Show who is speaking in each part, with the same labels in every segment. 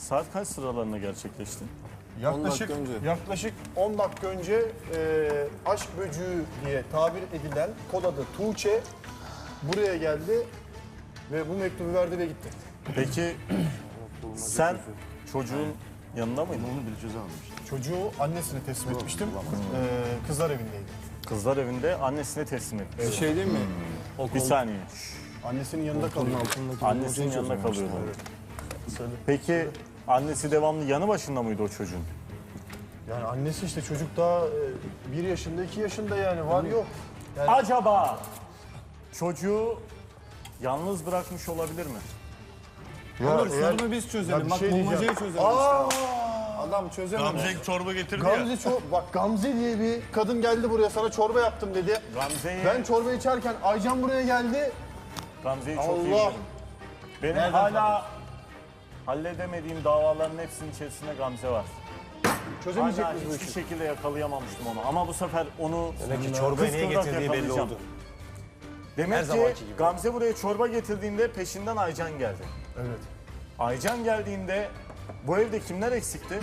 Speaker 1: saat kaç sıralarında gerçekleşti?
Speaker 2: Yaklaşık 10 dakika önce aşk böcüğü diye tabir edilen kod adı Tuğçe buraya geldi ve bu mektubu verdi ve gitti.
Speaker 1: Peki sen çocuğun yanında mıydın?
Speaker 2: Çocuğu annesine teslim etmiştim. Kızlar evindeydi.
Speaker 1: Kızlar evinde annesine teslim etmiş.
Speaker 3: Şey değil mi?
Speaker 1: Bir saniye.
Speaker 2: Annesinin yanında kalıyor.
Speaker 1: Annesinin yanında kalıyordu. Peki annesi devamlı yanı başında mıydı o çocuğun?
Speaker 2: Yani annesi işte çocuk daha 1 yaşında 2 yaşında yani var yok. Yani
Speaker 1: Acaba çocuğu yalnız bırakmış olabilir mi?
Speaker 3: Olur
Speaker 2: eğer-
Speaker 3: sorunu biz çözelim.
Speaker 2: Ya bir
Speaker 3: Bak
Speaker 2: şey
Speaker 3: bulmacayı
Speaker 2: diyeceğim.
Speaker 3: çözelim.
Speaker 2: Adam çözemedi.
Speaker 4: Gamze çorba getirdi ya.
Speaker 2: Bak Gamze diye bir kadın geldi buraya sana çorba yaptım dedi.
Speaker 1: Gamze'yi,
Speaker 2: Ben çorba içerken Aycan buraya geldi.
Speaker 1: Gamze'yi çok iyi
Speaker 2: Allah.
Speaker 1: biliyorum. Benim hala halledemediğim davaların hepsinin içerisinde Gamze var.
Speaker 2: Çözemeyecek
Speaker 1: Hala
Speaker 2: miyiz bu
Speaker 1: hiçbir
Speaker 2: işi?
Speaker 1: şekilde yakalayamamıştım onu. Ama bu sefer onu
Speaker 5: Demek ki çorbayı niye
Speaker 1: kıskıvrak
Speaker 5: getirdiği belli
Speaker 1: yakalayacağım.
Speaker 5: oldu.
Speaker 1: Demek
Speaker 5: Her
Speaker 1: ki
Speaker 5: zamanki gibi.
Speaker 1: Gamze buraya çorba getirdiğinde peşinden Aycan geldi.
Speaker 2: Evet.
Speaker 1: Aycan geldiğinde bu evde kimler eksikti?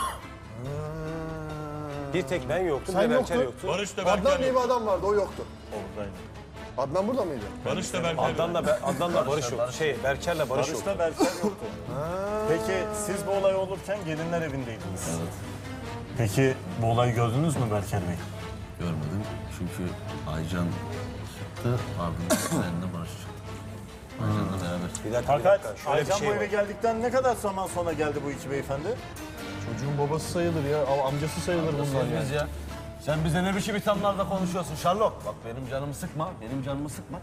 Speaker 5: Bir tek ben yoktum,
Speaker 2: Sen
Speaker 5: bir Berker
Speaker 2: yoktun.
Speaker 5: yoktu.
Speaker 4: Barış da
Speaker 2: Adnan
Speaker 4: Berker
Speaker 2: diye
Speaker 4: yok.
Speaker 2: bir adam vardı o yoktu.
Speaker 1: Oradaydı.
Speaker 2: Adnan burada mıydı?
Speaker 4: Barış da Berker yok.
Speaker 5: Adnan'la Barış yok. Berker'le Barış yok.
Speaker 1: Barış'ta Berker yoktu. Peki siz bu olay olurken gelinler evindeydiniz. Evet. Peki bu olayı gördünüz mü Berker Bey?
Speaker 6: Görmedim çünkü Aycan çıktı, ardından seninle Barış çıktı. Aycan'la beraber.
Speaker 5: Bir dakika,
Speaker 1: Fakat
Speaker 5: şöyle bir
Speaker 1: Aycan
Speaker 5: şey
Speaker 1: bu eve
Speaker 5: var.
Speaker 1: geldikten ne kadar zaman sonra geldi bu iki beyefendi?
Speaker 2: Çocuğun babası sayılır ya. Amcası sayılır bunlar yani.
Speaker 6: Biz ya. Sen bize ne biçim ithamlarda konuşuyorsun Sherlock? Bak benim canımı sıkma, benim canımı sıkma.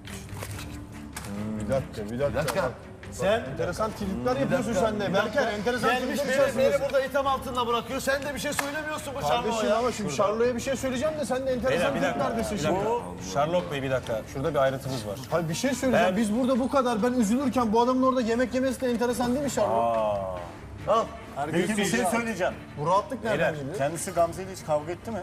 Speaker 2: Bir dakika.
Speaker 6: Sen
Speaker 2: Enteresan tripler yapıyorsun sen de. Berker enteresan
Speaker 6: gelmiş
Speaker 2: tripler
Speaker 6: beni
Speaker 2: yapıyorsun.
Speaker 6: burada itham altında bırakıyor. Sen de bir şey söylemiyorsun bu Sherlock'a
Speaker 2: Kardeşim
Speaker 6: ya.
Speaker 2: ama şimdi Şarlo'ya bir şey söyleyeceğim de sen de enteresan
Speaker 5: Bir dakika,
Speaker 2: triplerdesin
Speaker 5: bir
Speaker 2: şimdi.
Speaker 5: dakika. Sherlock Bey bir dakika. Şurada bir ayrıntımız var.
Speaker 2: Hayır bir şey söyleyeceğim. Biz burada bu kadar ben üzülürken bu adamın orada yemek yemesi de enteresan değil mi Şarlo? Al.
Speaker 1: Peki bir şey söyleyeceğim.
Speaker 2: Bu rahatlık nereden
Speaker 1: Beyler,
Speaker 2: geliyor?
Speaker 1: kendisi Gamze ile hiç kavga etti mi?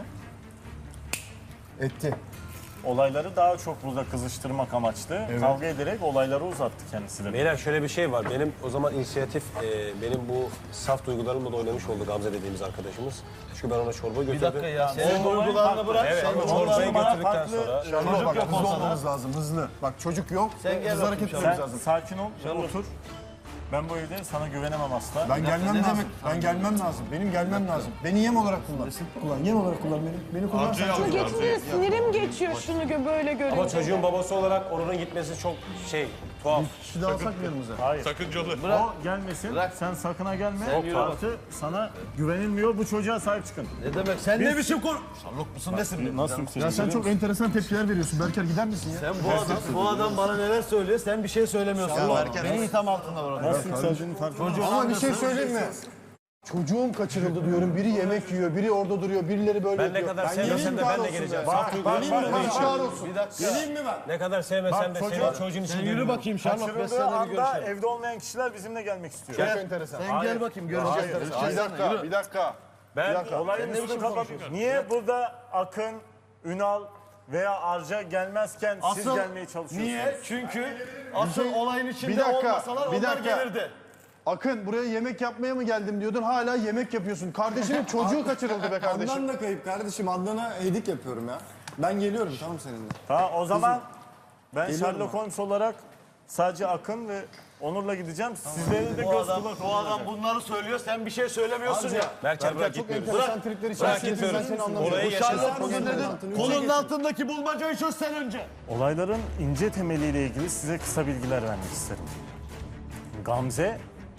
Speaker 2: Etti.
Speaker 1: Olayları daha çok burada kızıştırmak amaçlı. Kavga ederek olayları uzattı kendisi de.
Speaker 5: Beyler şöyle bir şey var. Benim o zaman inisiyatif, benim bu saf duygularımla da oynamış oldu Gamze dediğimiz arkadaşımız. Çünkü ben ona çorba götürdüm.
Speaker 6: Bir dakika ya.
Speaker 1: Senin
Speaker 6: duygularını bırak.
Speaker 5: Evet,
Speaker 6: Sen
Speaker 5: çorbayı
Speaker 1: bana
Speaker 5: götürdükten
Speaker 1: farklı-
Speaker 5: sonra...
Speaker 2: Şarlo bak
Speaker 6: yok
Speaker 2: hızlı
Speaker 6: ortada.
Speaker 2: olmamız lazım hızlı. Bak çocuk yok.
Speaker 6: Sen gel
Speaker 2: hızlı
Speaker 6: bakayım
Speaker 2: hareket
Speaker 6: Şarlo.
Speaker 2: etmemiz
Speaker 1: Sen
Speaker 2: lazım.
Speaker 1: sakin ol, otur. Ben bu evde sana güvenemem asla.
Speaker 2: Ben gelmem
Speaker 6: ne
Speaker 2: lazım.
Speaker 6: demek?
Speaker 2: Ben gelmem lazım. Benim gelmem lazım. Beni yem olarak kullan. Yem olarak kullan beni. Beni kullan.
Speaker 4: Amcayı
Speaker 2: Sen
Speaker 4: aldı
Speaker 2: çok...
Speaker 4: Gamze'yi.
Speaker 7: Sinirim geçiyor şunu böyle görünce.
Speaker 5: Ama çocuğun babası olarak oranın gitmesi çok tuhaf.
Speaker 2: Kişi daha alsak mı yanımıza?
Speaker 1: Hayır.
Speaker 4: Sakıncalı.
Speaker 1: O gelmesin. Sen sakına gelme.
Speaker 6: yürü
Speaker 1: Artı sana güvenilmiyor. Bu çocuğa sahip çıkın.
Speaker 6: Ne demek? Sen ne biçim konu? Sherlock musun nesin?
Speaker 1: Nasıl
Speaker 2: Ya
Speaker 1: yükseliyor?
Speaker 2: sen çok enteresan tepkiler veriyorsun. Berker gider misin ya?
Speaker 6: Sen bu adam bana neler söylüyor? Sen bir şey söylemiyorsun. Beni itham altında bırakıyor.
Speaker 1: Nasıl yükseldiğini farkında.
Speaker 2: Ama bir şey söyleyeyim mi? Çocuğum kaçırıldı diyorum. Biri yemek yiyor, biri orada duruyor, birileri böyle
Speaker 5: Ben ne
Speaker 2: yapıyor.
Speaker 5: kadar sevmesem de ben de geleceğim. Saf duygularım
Speaker 2: Geleyim mi
Speaker 5: olduğu
Speaker 2: ben?
Speaker 5: için.
Speaker 2: Çağır olsun.
Speaker 6: Bir dakika.
Speaker 2: Geleyim mi ben?
Speaker 5: Ne kadar sevmesem de
Speaker 1: Bak,
Speaker 5: senin çocuğun için
Speaker 6: Yürü bakayım Sherlock. Ben
Speaker 1: Kaçırıldığı
Speaker 6: seninle bir
Speaker 1: anda
Speaker 6: görüşelim.
Speaker 1: evde olmayan kişiler bizimle gelmek istiyor.
Speaker 2: Çok enteresan.
Speaker 6: Sen gel bakayım göreceğiz.
Speaker 2: Bir dakika, bir dakika.
Speaker 1: Ben
Speaker 2: dakika.
Speaker 1: olayın üstünü kapatıyorum. Niye burada Akın, Ünal veya Arca gelmezken siz gelmeye çalışıyorsunuz?
Speaker 6: Niye? Çünkü asıl olayın içinde
Speaker 2: Bir dakika,
Speaker 6: olmasalar
Speaker 2: bir
Speaker 6: onlar
Speaker 2: dakika.
Speaker 6: gelirdi.
Speaker 2: Akın buraya yemek yapmaya mı geldim diyordun. Hala yemek yapıyorsun. Kardeşimin çocuğu kaçırıldı be kardeşim.
Speaker 3: Adnan da kayıp kardeşim. Adnan'a edik yapıyorum ya. Ben geliyorum tamam seninle.
Speaker 1: Tamam o zaman ben Sherlock Holmes olarak sadece Akın ve Onur'la gideceğim. Sizlere de göz kulak
Speaker 6: Bu adam bunları söylüyor. Sen bir şey söylemiyorsun ya.
Speaker 5: Berker bırak
Speaker 2: Çok
Speaker 5: gitmiyoruz.
Speaker 2: enteresan tripler içerisinde ben seni anlamıyorum.
Speaker 5: Orayı yaşasın.
Speaker 6: Kolunun altındaki bulmacayı çöz sen önce.
Speaker 1: Olayların ince temeliyle ilgili size kısa bilgiler vermek isterim. Gamze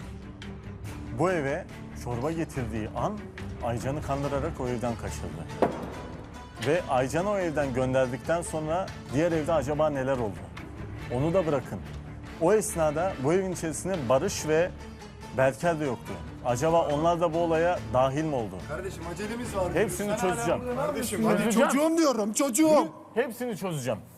Speaker 1: bu eve çorba getirdiği an Aycan'ı kandırarak o evden kaçırdı. Ve Aycan'ı o evden gönderdikten sonra diğer evde acaba neler oldu? Onu da bırakın. O esnada bu evin içerisinde Barış ve Berker de yoktu. Acaba onlar da bu olaya dahil mi oldu?
Speaker 3: Kardeşim acelemiz var.
Speaker 1: Hepsini çözeceğim.
Speaker 3: Kardeşim
Speaker 1: Çözeceğim.
Speaker 2: Çocuğum diyorum çocuğum.
Speaker 1: Hepsini çözeceğim.